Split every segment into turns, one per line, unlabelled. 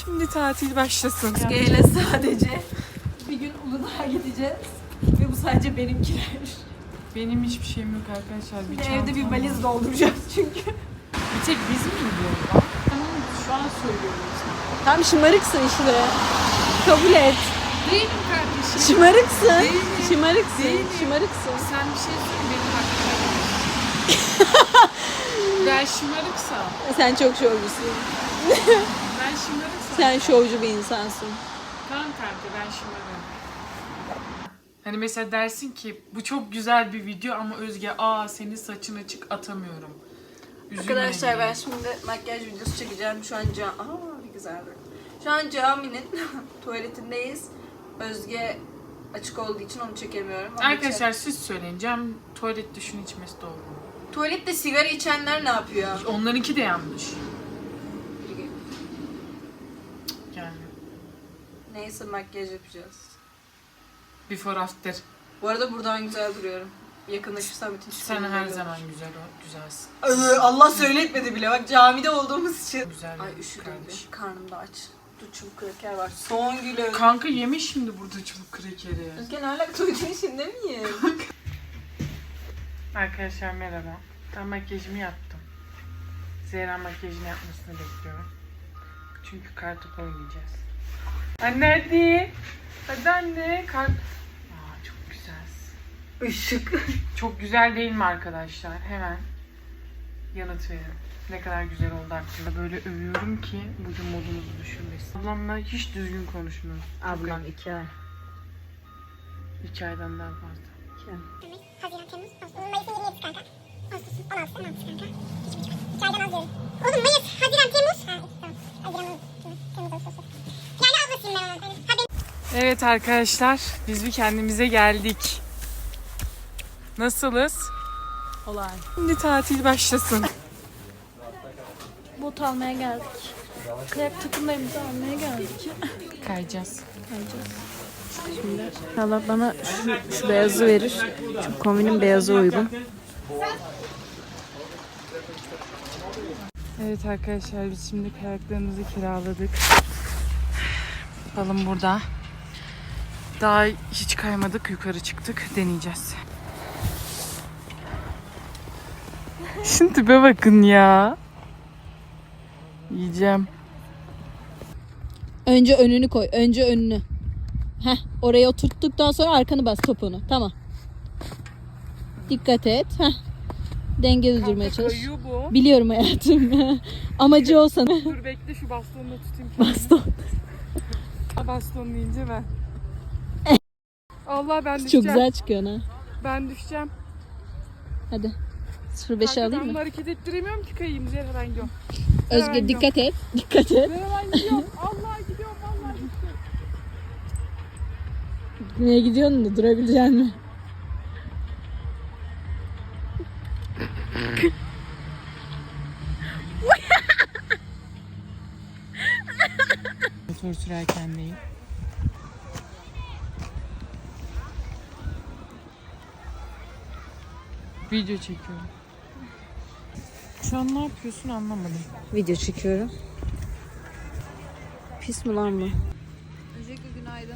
Şimdi tatil başlasın.
Özge'yle sadece bir gün Uludağ'a gideceğiz. Ve bu sadece benimkiler.
Benim hiçbir şeyim yok arkadaşlar. Bir
Evde bir
çantam
valiz
var.
dolduracağız çünkü.
Bir tek biz mi gidiyoruz lan? Ben onu şu an söylüyorum işte.
Tam şımarıksın işte. Kabul et.
Değilim kardeşim.
Şımarıksın.
Değilim.
Şımarıksın.
Değilim.
Şımarıksın.
Sen bir şey söyle benim hakkımda. Ben şımarıksam.
Sen çok şovcusun.
Ben şımarıksam.
Sen şovcu bir insansın.
Tamam kanka ben şımarım. Hani mesela dersin ki bu çok güzel bir video ama Özge senin saçın açık atamıyorum. Üzülme
Arkadaşlar
diye.
ben şimdi makyaj videosu çekeceğim. Şu an ne güzeldi. Şu an caminin tuvaletindeyiz. Özge açık olduğu için onu çekemiyorum. Ama
Arkadaşlar siz söyleyin. Cem tuvalette şunu içmesi doğru mu?
tuvalette sigara içenler ne yapıyor?
Onlarınki de yanlış. Yani
Neyse makyaj yapacağız.
before after.
Bu arada buradan güzel duruyorum. Yakınlaşırsam bütün
Sen
çıkıyorum.
her zaman güzelsin.
Allah söyletmedi bile bak camide olduğumuz için.
Güzel.
Ay üşüdüm
kardeşim.
bir. Karnım da aç. Dur çubuk kraker var. Son gülü.
Kanka yemiş şimdi burada çubuk krekeri.
Özge ne alaka tuvaletin içinde miyim?
Arkadaşlar merhaba. Ben makyajımı yaptım. Zehra makyajını yapmasını bekliyorum. Çünkü kartopu oynayacağız. Anne hadi. Hadi anne. Çok güzelsin.
Işık.
Çok güzel değil mi arkadaşlar? Hemen yanıt verin. Ne kadar güzel oldu hakkında. Böyle övüyorum ki bugün modunuzu düşürmesin. Ablamla hiç düzgün konuşmuyoruz.
Ablam 2 ay.
2 aydan daha fazla.
2 ay.
Haziran, Temmuz, Ağustos, Mayıs'ın 27'si kanka. Ağustos'un 16'sı, 16'sı kanka. Hiç buçuk. 2 aydan az diyorum. Oğlum Mayıs, Haziran, Temmuz. Ha, tamam. Haziran, Temmuz, Ağustos. Yani ablasıyım ben onun. Ha,
Evet arkadaşlar, biz bir kendimize geldik. Nasılız?
Olay.
Şimdi tatil başlasın.
Bot almaya geldik. Kayak takımlarımızı almaya geldik.
Kayacağız.
Şimdi Allah bana şu beyazı verir. Çünkü kombinin beyazı uygun.
Evet arkadaşlar, biz şimdi kayaklarımızı kiraladık. Balım burada. Daha hiç kaymadık, yukarı çıktık. Deneyeceğiz. Şimdi tipe bakın ya. Yiyeceğim.
Önce önünü koy. Önce önünü. Heh, oraya oturttuktan sonra arkanı bas topunu. Tamam. Dikkat et. Heh. Dengeli durmaya çalış.
Kayıyor bu.
Biliyorum hayatım. Amacı o sana.
Dur bekle şu bastonla tutayım kendimi.
Baston.
Baston deyince ben. Allah ben düşeceğim.
Çok güzel çıkıyor ha.
Ben düşeceğim.
Hadi. 0.5'e
Kanka
alayım
ben
mı?
bunu hareket ettiremiyorum ki kayayım. Zehra ben gidiyorum.
Özge dikkat et. Dikkat et.
Zehra ben gidiyorum. Allah gidiyorum. Allah gidiyorum.
Nereye gidiyorsun da durabilecek mi?
Motor sürerken değil. Video çekiyorum. Şu an ne yapıyorsun anlamadım.
Video çekiyorum. Pis mi lan bu? Öncelikle günaydın.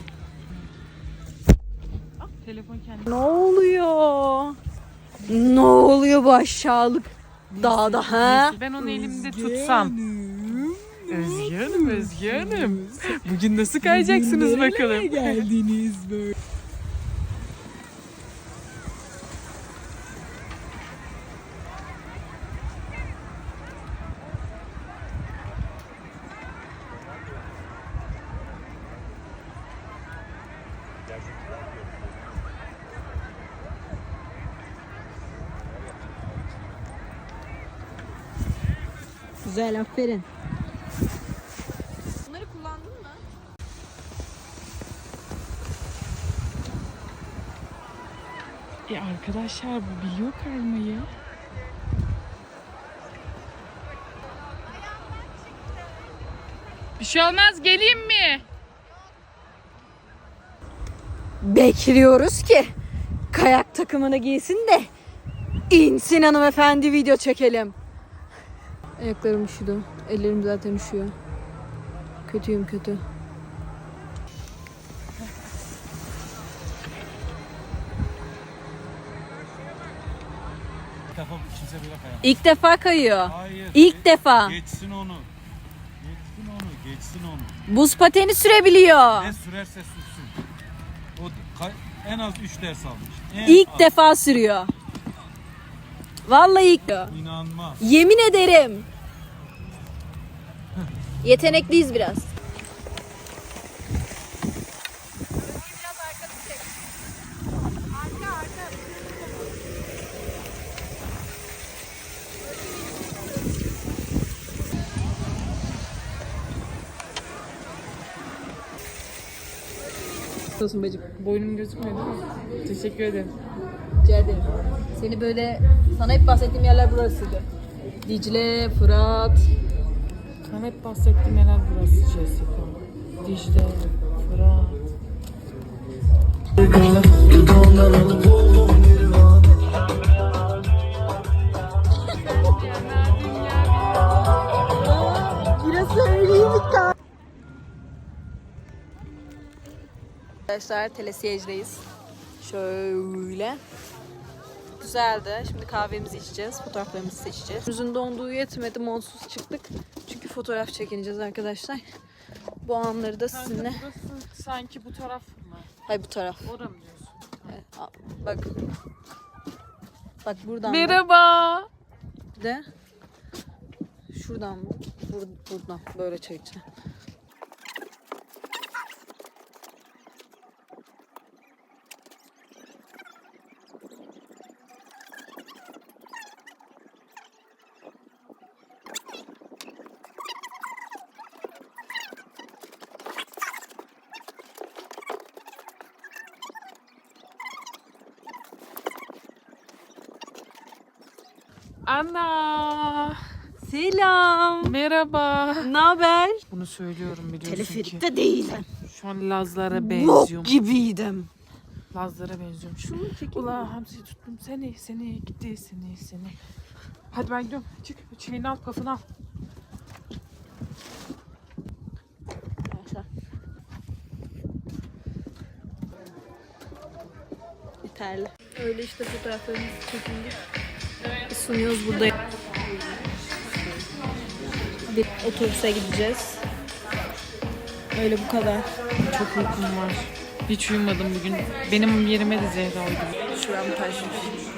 Telefon kendi.
Ne oluyor? Ne oluyor bu aşağılık dağda ha?
Ben onu elimde tutsam. Özge Hanım, Özge Hanım. Bugün nasıl kayacaksınız bakalım?
Geldiniz böyle. Güzel, aferin. Bunları kullandın mı?
Arkadaşlar bu biliyor kaymayı. Bir şey olmaz, geleyim mi?
Bekliyoruz ki kayak takımını giysin de insin hanımefendi, video çekelim. Ayaklarım üşüdü. Ellerim zaten üşüyor. Kötüyüm kötü.
İlk defa kimse böyle kayamaz.
İlk defa kayıyor.
Hayır.
İlk defa.
Geçsin onu. Geçsin onu. Geçsin onu.
Buz pateni sürebiliyor.
Ne sürerse sürsün. O en az 3 ders almış. En
İlk
az.
defa sürüyor. Vallahi ilk.
İnanmaz.
Yemin ederim. Yetenekliyiz biraz. Olsun bacım.
Boynum gözükmüyor değil mi? Teşekkür ederim.
Rica ederim. Seni böyle sana hep bahsettiğim yerler burasıydı. Dicle, Fırat.
Sana hep bahsettiğim yerler burası Jessica. Dicle, Fırat.
Biraz söyleyeyim Arkadaşlar telesiyecideyiz. Şöyle. Güzeldi. Şimdi kahvemizi içeceğiz. Fotoğraflarımızı seçeceğiz. Yüzün donduğu yetmedi. Montsuz çıktık. Çünkü fotoğraf çekineceğiz arkadaşlar. Bu anları da sizinle.
Burası sanki bu taraf mı?
Hayır bu taraf.
Orada mı diyorsun?
Evet, bak. Bak buradan.
Merhaba.
Bir de şuradan buradan böyle çekeceğim.
Ana.
Selam.
Merhaba.
Ne haber?
Bunu söylüyorum biliyorsun ki.
Teleferikte değilim.
Şu an Lazlara
Bok
benziyorum.
gibiydim.
Lazlara benziyorum. Şunu Ula hamsi tuttum seni gitti seni. Hadi ben gidiyorum. Çık çileğini al kafını al.
Yeterli. Öyle işte fotoğraflarımızı çekindik. Sunuyoruz burada. Bir otobüse gideceğiz. Öyle bu kadar.
Çok uykum var. Hiç uyumadım bugün. Benim yerime de Zehra uyudu.
Şuram taşmış.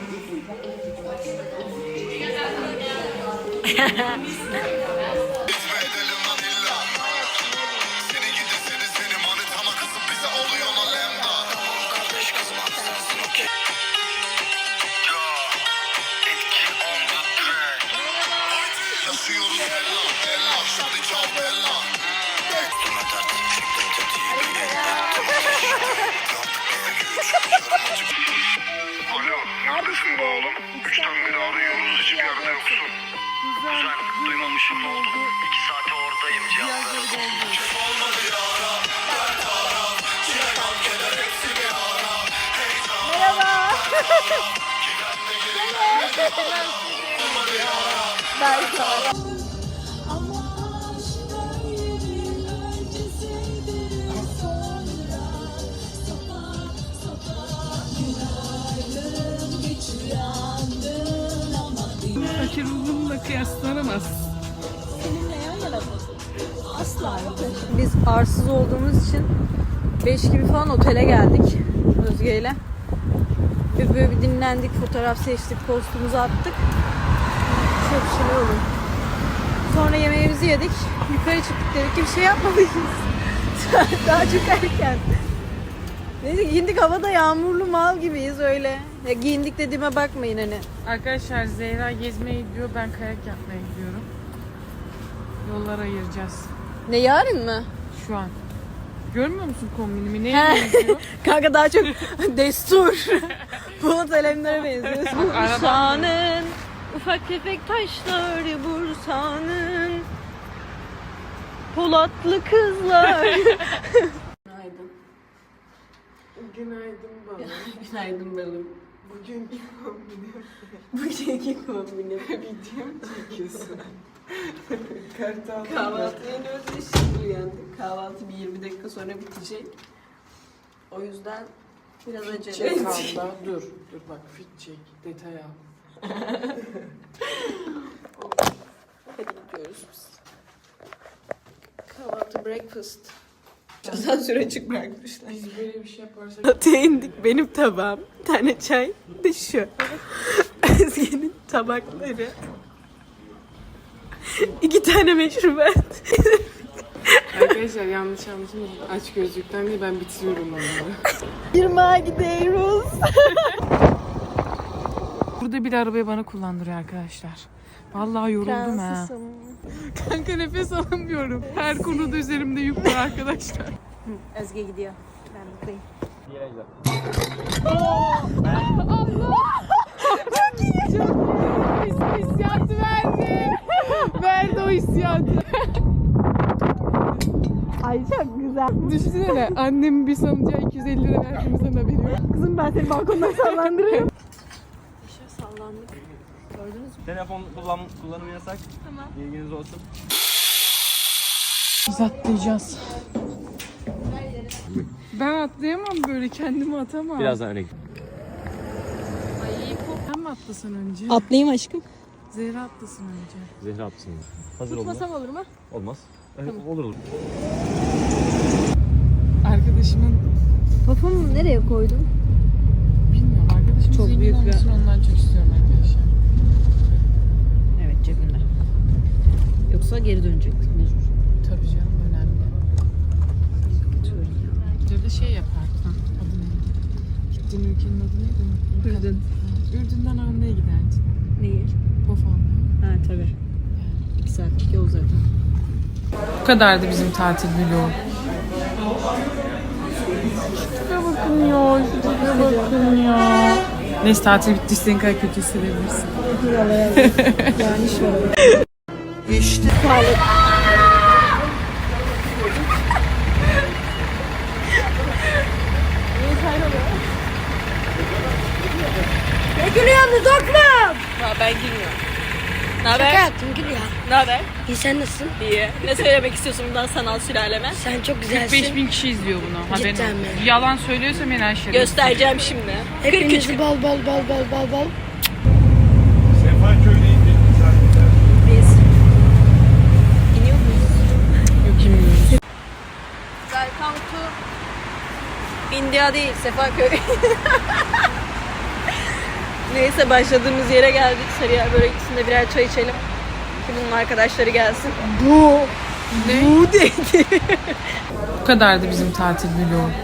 Alo, neredesin be oğlum? 3'ten beri arıyoruz, hiçbir yerde yoksun. Güzel, duymamışım ne oldu? 2 saate oradayım, cevap ver.
Fakir ruhumla kıyaslanamaz.
Asla. Biz arsız olduğumuz için 5 gibi falan otele geldik Özge ile. Ve böyle bir dinlendik, fotoğraf seçtik, postumuzu attık. Şöyle bir şeyler oldu. Sonra yemeğimizi yedik. Yukarı çıktık, dedik ki bir şey yapmalıyız. Daha çok erken. Neyse giyindik, havada yağmurlu mal gibiyiz öyle. Ya giyindik dediğime bakmayın hani.
Arkadaşlar Zehra gezmeye gidiyor. Ben kayak yapmaya gidiyorum. Yollar ayıracağız.
Ne yarın mı?
Şu an. Görmüyor musun kombinimi? Neye
He.
benziyor?
Kanka daha çok destur. Polat Alemdar'a benziyor.
Araba-
Bursa'nın ufak tefek taşları Bursa'nın Polatlı kızlar. Günaydın.
Günaydın baba.
Günaydın balım.
Bugünkü kombinim.
Bugünkü kombinim.
Video mu çekiyorsun? Kartal.
Kahvaltıya iniyoruz ve şimdi uyandık. Kahvaltı bir 20 dakika sonra bitecek. O yüzden biraz acele
Çek
ettik.
abla. Dur bak fit çek. Detay al.
Hadi gidiyoruz biz. Kahvaltı breakfast. Asansöre açık bırakmışlar.
Biz böyle bir şey yaparsak
Tatlıya indik. Benim tabağım. Bir tane çay. Bir de şu. Özge'nin tabakları. 2 tane meşrubat.
arkadaşlar yanlış anlaşılmasın. Aç gözlükten değil ben bitiriyorum onları.
Yırmağa gidiyoruz.
Burada bir de arabayı bana kullandırıyor arkadaşlar. Vallahi yoruldum ha. Kanka nefes alamıyorum. Her konuda üzerimde yük var arkadaşlar.
Özge gidiyor. Ben buradayım.
Hissiyatı verdi. Verdi o hissiyatı.
Ay çok güzel.
Düşünsene annemin bir sanıcağı 250 lira verdiğimizden haberi yok.
Kızım ben seni balkondan sallandırıyorum. Aşağı sallandık. Gördünüz mü?
Telefon kullanımı yasak.
Tamam.
İlginiz olsun.
Biz atlayacağız. Ben atlayamam böyle kendimi atamam.
Birazdan öne git.
Sen mi atlasın önce?
Atlayayım aşkım.
Zehra atlasın önce.
Zehra atsın. Hazır olun.
Tutmasam olur mu?
Olmaz. Olur olur.
Arkadaşımın
Papumu nereye koydun?
bilmiyorum arkadaşımın
Çok
zengin
büyük bir-
olmasını ondan çok istiyorum arkadaşlar.
Evet cebimde. Yoksa geri dönecektik mecbur.
Tabii canım önemli. Ya da şey yapardık. Adı ne? Gittiğin ülkenin adı neydi? Unuttum.
Ürdün.
Ha, Ürdün'den Arna'ya giderdin.
Neyi?
Pofan.
Ha tabii. 2 saatlik yol zaten.
Bu kadardı bizim tatil vlogu. Şuraya bakın ya, şuraya bakın ya. Neyse tatil bitti, istediğin kadar kötü hissedebilirsin.
Ne gülüyorsunuz oğlum? Ha ben gülmüyorum. Ne haber?
Şaka yaptım gül ya.
Ne haber?
İyi sen nasılsın?
İyi. Ne söylemek istiyorsun bundan sanal sülaleme?
Sen çok güzelsin.
5000 kişi izliyor bunu. Haberin
Cidden
olsun.
mi?
Yalan söylüyorsam en aşırı.
Göstereceğim şimdi.
Hepinizi bol bol bol bol bol bol.
Sefaköy'e indik zaten.
Biz iniyor muyuz?
Yok bilmiyorum.
Welcome to India değil, Sefaköy. Neyse başladığımız yere geldik. Sarıyer börekçisinde birer çay içelim. Ki bunun arkadaşları gelsin. Bu dedi.
Bu kadardı bizim tatil vlogu.